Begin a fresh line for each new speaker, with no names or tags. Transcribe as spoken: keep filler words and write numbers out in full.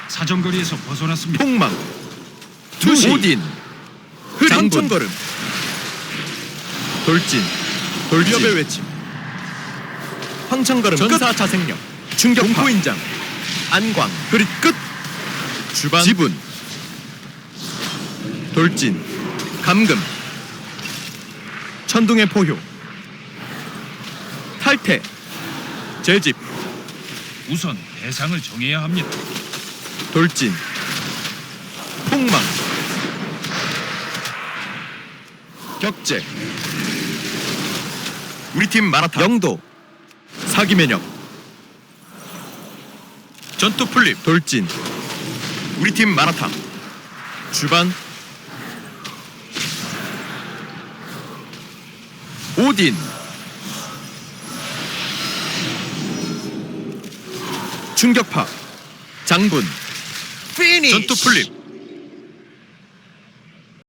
사정거리에서 벗어났습니다.
폭망.
투시.
오딘. 장천걸음. 돌진.
돌진.
위협의 외침. 황천걸음
전사
끝.
자생력.
충격파. 공포인장. 안광. 그릿 끝.
주반.
지분. 돌진. 감금. 천둥의 포효. 탈퇴. 재집.
우선 대상을 정해야 합니다.
돌진. 폭망. 격제. 우리 팀 마라탕. 영도. 사기 면역. 전투 풀립. 돌진. 우리 팀 마라탕. 주반. 오딘. 충격파. 장군. 피니쉬. 전투 풀립.